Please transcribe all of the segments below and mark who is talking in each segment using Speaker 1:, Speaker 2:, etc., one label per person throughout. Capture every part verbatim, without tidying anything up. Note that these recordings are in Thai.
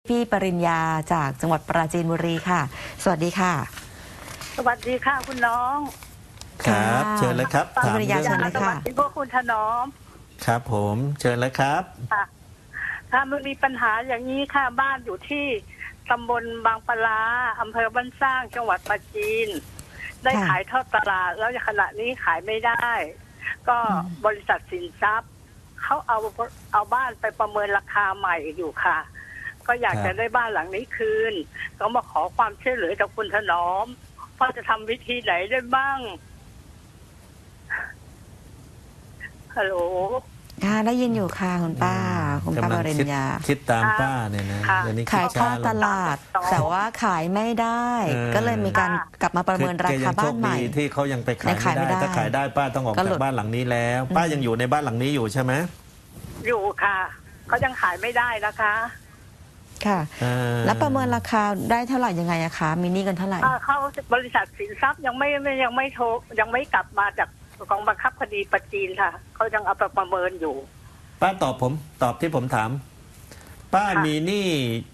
Speaker 1: พี่ปริญญาจากจังหวัดปราจีนบุรีค่ะสวัสดีค่ะ
Speaker 2: สวัสดีค่ะคุณน้อง
Speaker 3: ครับเชิญเลยครับ
Speaker 1: ถามเรื่องสวัส
Speaker 2: ดีพวกคุณถนอม
Speaker 3: ครับผมเชิญเลยครับ
Speaker 2: ค่ะถ้ามันมีปัญหาอย่างนี้ค่ะบ้านอยู่ที่ตำบลบางปลาอำเภอบ้านสร้างจังหวัดปราจีนได้ขายทอดตลาดแล้วขณะนี้ขายไม่ได้ก็บริษัทสินทรัพย์เขาเอาเอาบ้านไปประเมินราคาใหม่อยู่ค่ะก็อยากจะได้บ้านหลังนี้คืนก็มาขอความช่วยเหลือจากคุณถนอมว่าจะทำวิธีไหนได้บ้างฮัลโหล
Speaker 1: ค่ะได้ยินอยู่ค่ะคุณป้าคุณป้าปริญญา
Speaker 3: คิดตามป้าเนี่ยนะเดี๋ยวนี้
Speaker 1: ขายทอดตลาดแต่ว่าขายไม่ได้ก็เลยมีการกลับมาประเมินราคาบ้านใหม่
Speaker 3: ที่เขายังไปขายไม่ได้ถ้าขายได้ป้าต้องออกจากบ้านหลังนี้แล้วป้ายังอยู่ในบ้านหลังนี้อยู่ใช่ไหม
Speaker 2: อยู่ค่ะเขายังขายไม่ได้นะคะ
Speaker 1: ค่ะแล้วประเมินราคาได้เท่าไหร่ยังไงอะคะมีหนี้กันเท่าไหร่
Speaker 2: เขาบริษัทสินทรัพย์ยังไม่ยังไม่โทรยังไม่กลับมาจากกองบังคับคดีปัจจีนค่ะเขายังเอาไปประเมินอยู่
Speaker 3: ป้าตอบผมตอบที่ผมถามป้ามีหนี้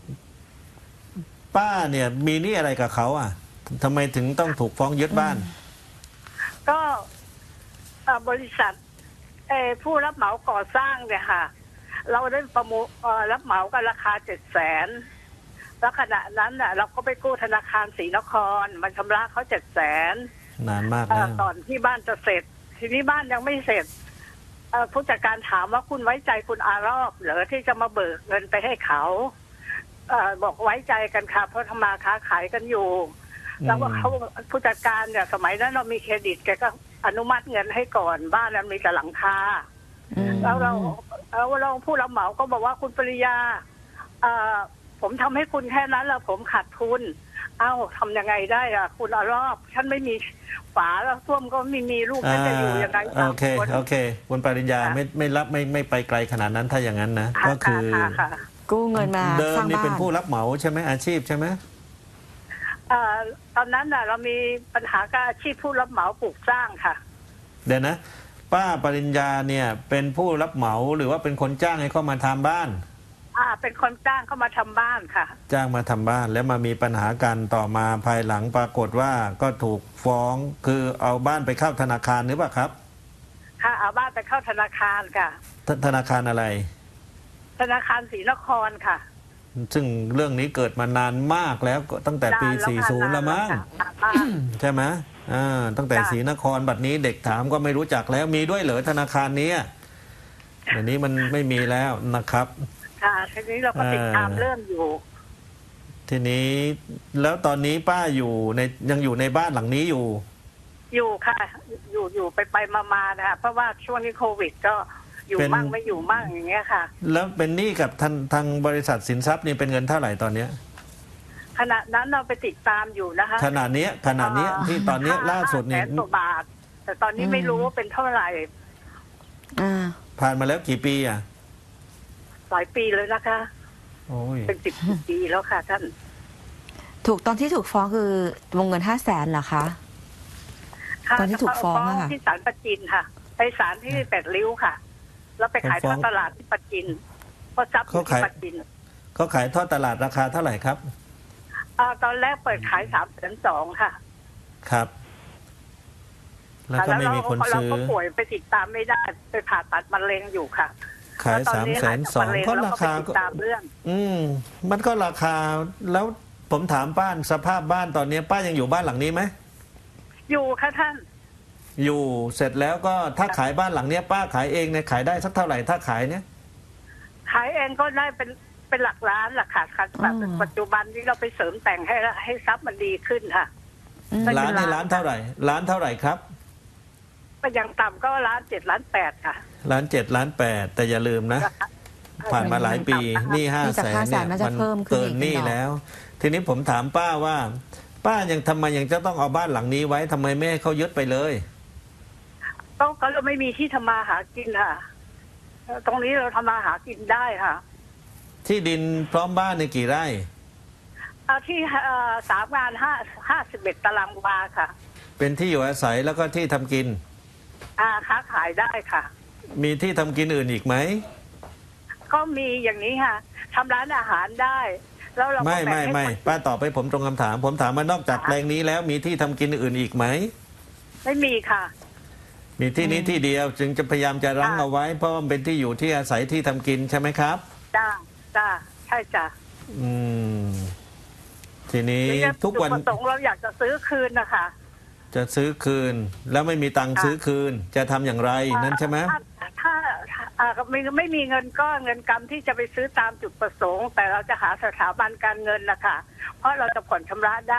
Speaker 3: ป้าเนี่ยมีหนี้อะไรกับเขาอ่ะทำไมถึงต้องถูกฟ้องยึดบ้าน
Speaker 2: ก็บริษัทผู้รับเหมาก่อสร้างเนี่ยค่ะเราได้ประมูลรับเหมากันราคาเจ็ดแสนแล้วขณะนั้นน่ะเราก็ไปกู้ธนาคารศรีนครมันชำระเขาเจ็ดแสน
Speaker 3: นานมากแล้ว
Speaker 2: ตอนที่บ้านจะเสร็จทีนี้บ้านยังไม่เสร็จผู้จัดการถามว่าคุณไว้ใจคุณอารอบเหรอที่จะมาเบิกเงินไปให้เขาบอกไว้ใจกันค่ะเพราะทำมาค้าขายกันอยู่แล้วว่าเขาผู้จัดการเนี่ยสมัยนั้นเรามีเครดิตแกก็อนุมัติเงินให้ก่อนบ้านนั้นมีแต่หลังคาแล้วเราแล้วเราผู้รับเหมาก็บอกว่าคุณปริยาผมทำให้คุณแค่นั้นแล้วผมขาดทุนเอ้าทำยังไงได้อ่ะคุณอารอบฉันไม่มีฝาแล้วส้วมก็ไม่มีลูกฉันจะอยู่ยังไง
Speaker 3: โอเคโอเคคุณปริญญาไม่ไม่รับไม่ไม่ไปไกลขนาดนั้นถ้าอย่างนั้นนะก็คือ
Speaker 1: กู้เงินมา
Speaker 3: เดิมนี่เป็นผู้รับเหมาใช่ไหมอาชีพใช่ไหม
Speaker 2: ตอนนั้นน่ะเรามีปัญหากับอาชีพผู้รับเหมาปลูกสร้างค่ะ
Speaker 3: เดี๋ยวนะป้าปริญญาเนี่ยเป็นผู้รับเหมาหรือว่าเป็นคนจ้างให้เขามาทำบ้าน
Speaker 2: อ่าเป็นคนจ้างเข้ามาทำบ้านค่ะ
Speaker 3: จ้างมาทำบ้านแล้วมามีปัญหากันต่อมาภายหลังปรากฏว่าก็ถูกฟ้องคือเอาบ้านไปเข้าธนาคารหรือเปล่าครับ
Speaker 2: ค่ะเอาบ้านไปเข้าธนาคารค่ะ
Speaker 3: ธนาคารอะไร
Speaker 2: ธนาคารศรีนครค่ะ
Speaker 3: ซึ่งเรื่องนี้เกิดมานานมากแล้วตั้งแต่ปีสี่สิบแล้วมั้งใช่ไหมอ่าตั้งแต่ศรีนครบัดนี้เด็กถามก็ไม่รู้จักแล้วมีด้วยเหรอธนาคารนี้เดี๋ยวนี้มันไม่มีแล้วนะครับ
Speaker 2: ค่ะทีนี้เราก็ติดตามเรื่องอยู่
Speaker 3: ทีนี้แล้วตอนนี้ป้าอยู่ในยังอยู่ในบ้านหลังนี้อยู่
Speaker 2: อยู่ค่ะอยู่อยู่ไปไปมาๆนะคะเพราะว่าช่วงนี้โควิดก็อยู่มั่งไม่อยู่มั่งอย่างเงี้ยค่ะ
Speaker 3: แล้วเป็นหนี้กับทางทางบริษัทสินทรัพย์นี่เป็นเงินเท่าไหร่ตอนเนี้ย
Speaker 2: ขณะนั้นเราไปติดตามอยู่นะคะ
Speaker 3: ขนาดนี้ขนาดนี้ที่ตอนนี้ล่าสุด
Speaker 2: เนี่ยแสนกว่าบาทแต่ตอนนี้ไม่รู้ว่าเป็นเท่าไหร่
Speaker 1: อ่า
Speaker 3: ผ่านมาแล้วกี่ปีอ่ะ
Speaker 2: หลายปีเลยนะคะ
Speaker 3: โอ้ย
Speaker 2: เป็นสิบปีแล้วค่ะท่าน
Speaker 1: ถูกตอนที่ถูกฟ้องคือวงเงินห้าแสนเหรอคะตอนที่ถูกฟ้องค่ะ
Speaker 2: ที่ศาลปัจจินค่ะไปศาลที่แปดริ้วค่ะแล้วไปขายทอดตลาดที่ปัจจินเพราะทรัพย์ที่ปัจจิน
Speaker 3: เขาขายทอดตลาดราคาเท่าไหร่ครับ
Speaker 2: อ่าตอนแรกเปิดขายสามแสนสองค่ะ
Speaker 3: ครับแล้วก็ไม่มีคนซื้อเรา
Speaker 2: ก็ป่วยไปติดตามไม่ได้ไปผ่าตัดมะเร็งอยู่ค่ะ
Speaker 3: ขายสามแสนสองก็ราคาก็อืมมันก็ราคาแล้วผมถามป้าสภาพบ้านตอนนี้ป้ายังอยู่บ้านหลังนี้ไหม
Speaker 2: อยู่ค่ะท่าน
Speaker 3: อยู่เสร็จแล้วก็ถ้าขายบ้านหลังนี้ป้าขายเองเนี่ยขายได้สักเท่าไหร่ถ้าขายเนี่ย
Speaker 2: ขายเองก็ได้เป็นเป็นหลักล้านหลักค่ะค่ะปัจจุบันนี้เราไปเสริมแต่งให้ให้ทรัพย์มันดีขึ้นค่ะ
Speaker 3: ล้านในล้านเท่าไหร่ล้านเท่าไหร่ครับ
Speaker 2: ก็ยังต่ำก็ล้านเจ็ดล้านแปดค่ะ
Speaker 3: ล้านเจ็ดล้านแปดแต่อย่าลืมนะผ่านมาหลายปีหนี้ห้าแสนเนี่ยมันเกินหนี้แล้วทีนี้ผมถามป้าว่าป้ายังทำไมยังจะต้องเอาบ้านหลังนี้ไว้ทำไมไม่ให้เขายึดไปเลย
Speaker 2: ก็ก็เราไม่มีที่ทำมาหากินค่ะตรงนี้เราทำมาหากินได้ค่ะ
Speaker 3: ที่ดินพร้อมบ้านในกี่ไร่
Speaker 2: เอาที่สามงานห้าห้าสิบเอ็ดตารางวาค่ะ
Speaker 3: เป็นที่อยู่อาศัยแล้วก็ที่ทำกิน
Speaker 2: อ่าค้าขายได้ค่ะ
Speaker 3: มีที่ทำกินอื่นอีกไหม
Speaker 2: ก็มีอย่างนี้ค่ะทำร้านอาหารได้แล้วเราก็
Speaker 3: ไม่
Speaker 2: แบ่ง
Speaker 3: ไม่
Speaker 2: ให้
Speaker 3: ไม่
Speaker 2: คน
Speaker 3: ป้าตอบไปผมตรงคำถาม ผมถามว่านอกจากแปลงนี้แล้วมีที่ทำกินอื่นอีกไหม
Speaker 2: ไม่มีค่ะ
Speaker 3: มีที่นี้ที่เดียวจึงจะพยายามจะรั้งเอาไว้ เพราะมันเป็นที่อยู่ที่อาศัยที่ทำกินใช่ไหมครับ
Speaker 2: จ้าจ้าใช่จ้ะ
Speaker 3: อืม ทีนี้
Speaker 2: แล้ว
Speaker 3: ทุกวัน
Speaker 2: จุดประสงค์เราอยากจะซื้อคืนนะคะ
Speaker 3: จะซื้อคืน แล้วไม่มีตังค์
Speaker 2: ค่ะ
Speaker 3: ซื้อคืน จะทำอย่างไรนั่นใช่ไหม
Speaker 2: ถ้าถ้าถ้าอ่าไม่ไม่มีเงินก้อนเงินกำที่จะไปซื้อตามจุดประสงค์ แต่เราจะหาสถาบันการเงินนะคะเพราะเราจะผ่อนชำระได้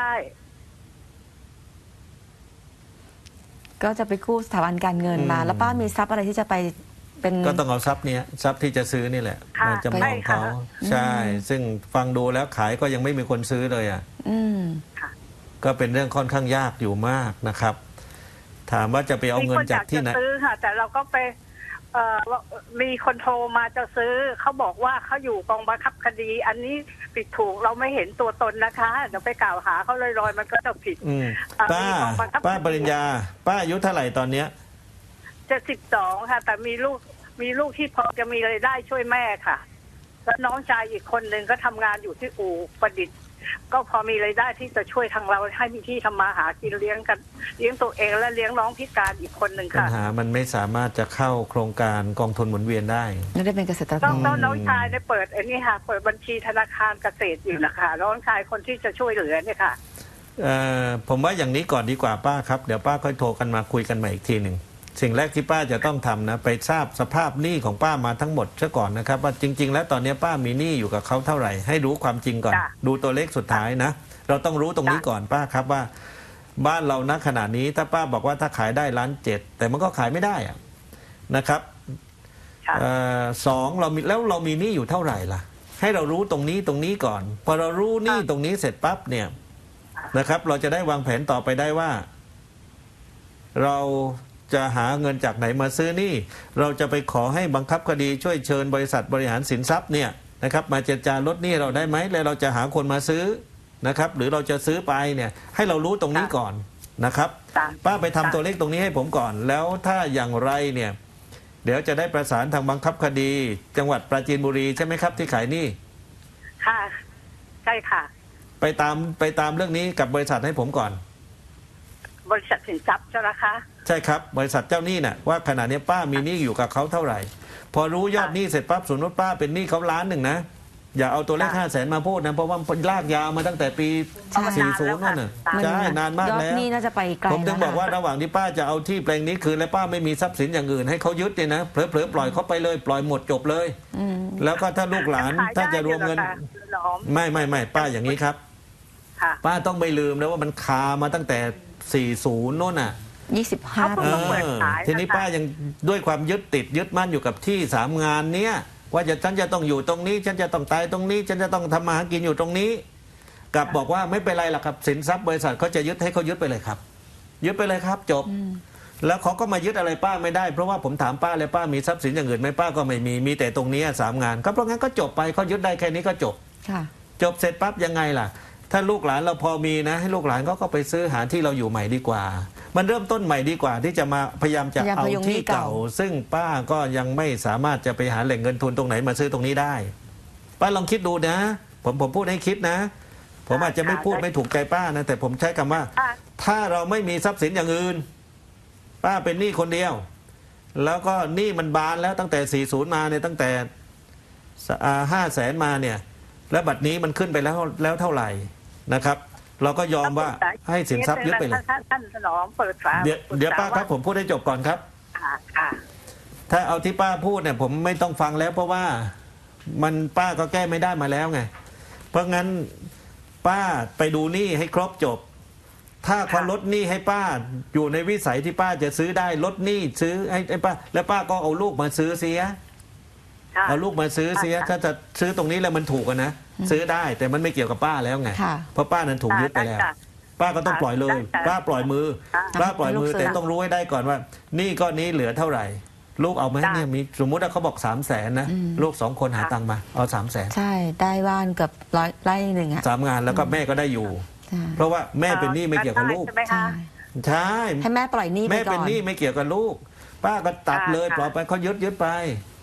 Speaker 1: ก็จะไปกู้สถาบันการเงินมา
Speaker 3: อืม
Speaker 1: แล้วป้ามีทรัพย์อะไรที่จะไปเป็น
Speaker 3: ก็ต้องเอาทรัพย์เนี้ยทรัพย์ที่จะซื้อนี่แหละ
Speaker 2: ค่ะ
Speaker 3: มาจำนองเขา
Speaker 2: ใช่ค่ะ
Speaker 3: ใช่ ซึ่งฟังดูแล้วขายก็ยังไม่มีคนซื้อเลยอ่ะ
Speaker 1: อืม
Speaker 2: ค่ะ
Speaker 3: ก็เป็นเรื่องค่อนข้างยากอยู่มากนะครับ ถามว่าจะไปเอาเงินจากที่ไหน
Speaker 2: มีคนอยากจะซื้อค่ะ แต่เราก็ไปเอ่อมีคนโทรมาจะซื้อเขาบอกว่าเขาอยู่กองบังคับคดี อันนี้ผิดถูกเราไม่เห็นตัวตนนะคะเดี๋ยวไปกล่าวหาเขาลอยๆมันก็จะผิด
Speaker 3: อืม
Speaker 2: อ่า
Speaker 3: ป้า
Speaker 2: มีกองบังคับ
Speaker 3: ป้าปริญญา ป้าอายุเท่าไหร่ตอนเนี้ย
Speaker 2: จะสิบสองค่ะ แต่มีลูกมีลูกที่พอจะมีรายได้ช่วยแม่ค่ะ แล้วน้องชายอีกคนหนึ่งก็ทำงานอยู่ที่อู่ประดิษฐ์ ก็พอมีรายได้ที่จะช่วยทางเราให้มีที่ทำมาหากินเลี้ยงกันเลี้ยงตัวเองและเลี้ยงน้องพิการอีกคนหนึ่ง
Speaker 3: ปัญ
Speaker 2: ค่ะ
Speaker 3: หามันไม่สามารถจะเข้าโครงการกองทุนหมุนเวียนได้
Speaker 1: ไม่ได้เป็นเกษตรก
Speaker 2: น้อง
Speaker 1: ร
Speaker 2: น้องน้องชายได้เปิดอันนี้ค่ะ เปิดบัญชีธนาคารเกษตรอยู่นะคะน้องชายคนที่จะช่วยเหลือเนี่ยค่ะ
Speaker 3: เอ่อผมว่าอย่างนี้ก่อนดีกว่าป้าครับ เดี๋ยวป้าค่อยโทรกันมาคุยกันใหม่อีกทีหนึ่งสิ่งแรกที่ป้าจะต้องทำนะไปทราบสภาพหนี้ของป้ามาทั้งหมดซะก่อนนะครับว่าจริง ๆ แล้วตอนนี้ป้ามีหนี้อยู่กับเขาเท่าไหร่ให้รู้ความจริงก่อน
Speaker 2: จ้ะ
Speaker 3: ดูตัวเลขสุดท้ายนะ เราต้องรู้ตรงนี้
Speaker 2: จ้ะ
Speaker 3: ก่อนป้าครับว่า บ้านเราณขณะนี้ถ้าป้าบอกว่าถ้าขายได้ล้านเจ็ดแต่มันก็ขายไม่ได้อะนะครับ
Speaker 2: ค่ะ
Speaker 3: เอ่อสองเรามีแล้วเรามีหนี้อยู่เท่าไหร่ล่ะ ให้เรารู้ตรงนี้ตรงนี้ก่อน พอเรารู้หนี้ตรงนี้เสร็จปั๊บเนี่ยนะครับ เราจะได้วางแผนต่อไปได้ว่า เราจะหาเงินจากไหนมาซื้อหนี้เราจะไปขอให้บังคับคดีช่วยเชิญบริษัทบริหารสินทรัพย์เนี่ยนะครับ มาเจรจาลดหนี้เราได้ไหมแล้วเราจะหาคนมาซื้อนะครับ หรือเราจะซื้อไปเนี่ย ให้เรารู้ตรงนี้ก่อนนะครับ
Speaker 2: จ้ะ
Speaker 3: ป้าไปทำตัวเลขตรงนี้ให้ผมก่อน แล้วถ้าอย่างไรเนี่ย เดี๋ยวจะได้ประสานทางบังคับคดี จังหวัดปราจีนบุรีใช่ไหมครับที่ขายหนี้
Speaker 2: ค่ะ ใช่ค่ะ
Speaker 3: ไปตามไปตามเรื่องนี้กับบริษัทให้ผมก่อน
Speaker 2: บริษัทสินทรัพย์ใช่ไหมคะ
Speaker 3: ใช่ครับบริษัทเจ้าหนี้น่ะว่าขณะนี้ป้ามีหนี้อยู่กับเขาเท่าไหร่ พอรู้ยอดหนี้เสร็จปั๊บสมมติป้าเป็นหนี้เขาล้านหนึ่งนะอย่าเอาตัวเลขห้าแสนมาพูดนะเพราะว่ามันลากยาวมาตั้งแต่ปี
Speaker 1: ใช่
Speaker 3: สี่สิบนั่นน่ะ
Speaker 1: มัน
Speaker 3: ใช่นานมาก
Speaker 1: ยอด
Speaker 3: แล้ว
Speaker 1: หนี้น่าจะไปไกล
Speaker 3: ผมถึงบอกว่า
Speaker 1: แล้ว
Speaker 3: ระหว่างที่ป้าจะเอาที่แปลงนี้คืนและป้าไม่มีทรัพย์สินอย่างอื่นให้เขายึดเนี่ยนะเผลอๆปล่อยเขาไปเลยปล่อยหมดจบเลย
Speaker 1: อืม
Speaker 3: แล้วก็ถ้าลูกหลาน
Speaker 2: ขย
Speaker 3: ถ้า
Speaker 2: ได้
Speaker 3: จะรวมเงิน
Speaker 2: อยู่หรอคะหลอม
Speaker 3: ไม่ไม่ไม่ป้าอย่างนี้ครับ
Speaker 2: ค่ะ
Speaker 3: ป้าต้องไม่ลืมนะว่ามันคามาตั้งแต่สี่สิบโน่นน่ะ
Speaker 1: ยี่สิบห้า
Speaker 2: เขา
Speaker 3: เอ
Speaker 2: เพิ่ง
Speaker 1: ปี
Speaker 2: มาเปิด
Speaker 3: อ
Speaker 2: ขายนะคะ
Speaker 3: ทีนี้ป้ายังด้วยความยึดติดยึดมั่นอยู่กับที่สามงานเนี้ยว่าจะฉันจะต้องอยู่ตรงนี้ ฉันจะต้องตายตรงนี้ ฉันจะต้องทำมาหากินอยู่ตรงนี้กลับบอกว่าไม่เป็นไรหรอกครับสินทรัพย์บริษัทเขาจะยึดให้เขายึดไปเลยครับ ยึดไปเลยครับจบ แล้วเขาก็มายึดอะไรป้าไม่ได้เพราะว่าผมถามป้าเลยป้ามีทรัพย์สินอย่างอื่นไหมป้าก็ไม่มีมีแต่ตรงนี้สามงานก็เพราะงั้นก็จบไปเขายึดได้แค่นี้ก็จบ
Speaker 1: ค่ะ
Speaker 3: จบเสร็จปั๊บยังไงล่ะ ถ้าลูกหลานเราพอมีนะ ให้ลูกหลานเขาก็ไปซื้อหาที่เราอยู่ใหม่ดีกว่า มันเริ่มต้นใหม่ดีกว่า ที่จะมาพยายามจะ
Speaker 1: พยายาม
Speaker 3: เอา
Speaker 1: พยุงหนี้
Speaker 3: ที่เก่า
Speaker 1: เก่า
Speaker 3: ซึ่งป้าก็ยังไม่สามารถจะไปหาแหล่งเงินทุนตรงไหนมาซื้อตรงนี้ได้ ป้าลองคิดดูนะ ผมผมพูดให้คิดนะ ผมอาจจะไม่พูดไม่ถูกใจป้านะแต่ผมใช้คำว่า
Speaker 2: ค่ะ
Speaker 3: ถ้าเราไม่มีทรัพย์สินอย่างอื่น ป้าเป็นหนี้คนเดียว แล้วก็หนี้มันบานแล้วตั้งแต่สี่สิบมาเนี่ยตั้งแต่ห้าแสนมาเนี่ย แล้วบัดนี้มันขึ้นไปแล้วแล้วเท่าไหร่นะครับ เราก็ยอมว่าให้สินทรัพย์ยึดไปเลย
Speaker 2: ท่านท่านถนอมเปิดฝา
Speaker 3: เดี๋ยวเดี๋ยวป้าครับผมพูดให้จบก่อนครับ
Speaker 2: ค่ะค่ะ
Speaker 3: ถ้าเอาที่ป้าพูดเนี่ยผมไม่ต้องฟังแล้วเพราะว่ามันป้าก็แก้ไม่ได้มาแล้วไง เพราะงั้นป้าไปดูหนี้ให้ครบจบ ถ้าเขาลดหนี้ให้ป้าอยู่ในวิสัยที่ป้าจะซื้อได้ลดหนี้ซื้อให้ให้ป้า แล้วป้าก็เอาลูกมาซื้อเสีย
Speaker 2: ค่ะ
Speaker 3: เอาลูกมาซื้อเสีย ถ้าจะซื้อตรงนี้แล้วมันถูกอะนะซื้อได้แต่มันไม่เกี่ยวกับป้าแล้วไง
Speaker 1: ค่ะ
Speaker 3: เพราะป้านั้นถูกยึดไปแล้ว
Speaker 2: จ้ะ
Speaker 3: ป้าก็ต้องปล่อยเลย
Speaker 2: จ้ะ
Speaker 3: ป้าปล่อยมือ
Speaker 2: จ้ะ
Speaker 3: ป้าปล่อยมือ
Speaker 1: ให้ลูกซื้อ
Speaker 3: แต่ต้องรู้ให้ได้ก่อนว่าหนี้ก้อนนี้เหลือเท่าไหร่ ลูกเอาไหม
Speaker 2: จ้ะ
Speaker 3: เนี่ยมีสมมุติว่าเขาบอกสามแสนนะ
Speaker 1: อืม
Speaker 3: ลูกสองคนหา
Speaker 2: ค่ะ
Speaker 3: ตังค์มาเอาสามแสน
Speaker 1: ใช่ได้บ้านเกับร้อยไร่หนึ่งอ่ะ
Speaker 3: สามงานแล้วก็แม่ก็ได้อยู่
Speaker 1: ใช่
Speaker 3: เพราะว่าแม่เป็นหนี้ไม่เกี่ยวกับลูก
Speaker 2: ใช่ไหม
Speaker 1: ใช่
Speaker 2: คะ
Speaker 3: ใช่
Speaker 1: ให้แม่ปล่อยหนี้ไป
Speaker 3: แม่
Speaker 1: ก่
Speaker 3: เป็น
Speaker 1: อน
Speaker 3: หนี้ไม่เกี่ยวกับลูก ป้าก็ตัดเลย
Speaker 2: ค่ะ
Speaker 3: ปล่อยไปเขายึดยึดไป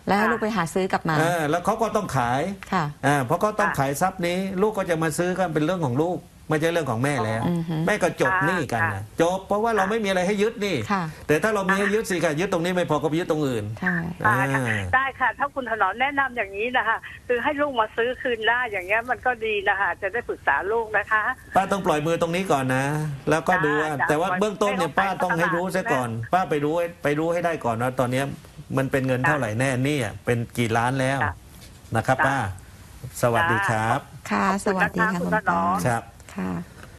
Speaker 1: แล้วให้ลูกไปหาซื้อกลับมา
Speaker 3: เออแล้วเขาก็ต้องขาย
Speaker 1: ค่ะ
Speaker 3: อ่าเพราะเขาต้องขายทรัพย์นี้ ลูกก็จะมาซื้อก็เป็นเรื่องของลูกไม่ใช่เรื่องของแม่แล้ว
Speaker 1: อือฮึ
Speaker 3: แม่ก็จบหนี้กันนะจบเพราะว่าเราไม่มีอะไรให้ยึดนี่
Speaker 1: ค่ะ
Speaker 3: แต่ถ้าเรามีให้ยึดสิค่ะยึดตรงนี้ไม่พอก็ไปยึดตรงอื่น
Speaker 1: ใช่
Speaker 2: อ่า
Speaker 3: อ่า
Speaker 2: ได้ค่ะ ถ้าคุณถนอมแนะนำอย่างนี้นะคะคือให้ลูกมาซื้อคืนได้อย่างเงี้ยมันก็ดีนะคะจะได้ปรึกษาลูกนะคะ
Speaker 3: ป้าต้องปล่อยมือตรงนี้ก่อนนะ แล้วก็ดูว่า
Speaker 2: จ้ะ
Speaker 3: แต่ว่าเบื้องต้นเนี่ย
Speaker 2: ไม่
Speaker 3: ป้า
Speaker 2: ต้องไป
Speaker 3: ต้องให้รู้ซะก่อน ป้าไปรู้ให้ไปรู้ให้ได้ก่อนว่าตอนเนี้ยมันเป็นเงินเท่าไหร่แน่หนี่เป็นกี่ล้านแล้ว
Speaker 2: จ้ะ
Speaker 3: นะครับ
Speaker 2: จ้ะ
Speaker 3: ป้า สวัสดีครับ
Speaker 1: ค่ะ
Speaker 2: ขอบ
Speaker 1: ส
Speaker 2: คุณ
Speaker 1: วัสดี
Speaker 2: นะคะ
Speaker 1: ค่ะ
Speaker 2: คุ
Speaker 1: คุณ ณ
Speaker 2: ถน
Speaker 1: ป้า
Speaker 2: อม
Speaker 3: ครับ
Speaker 1: ค่ะ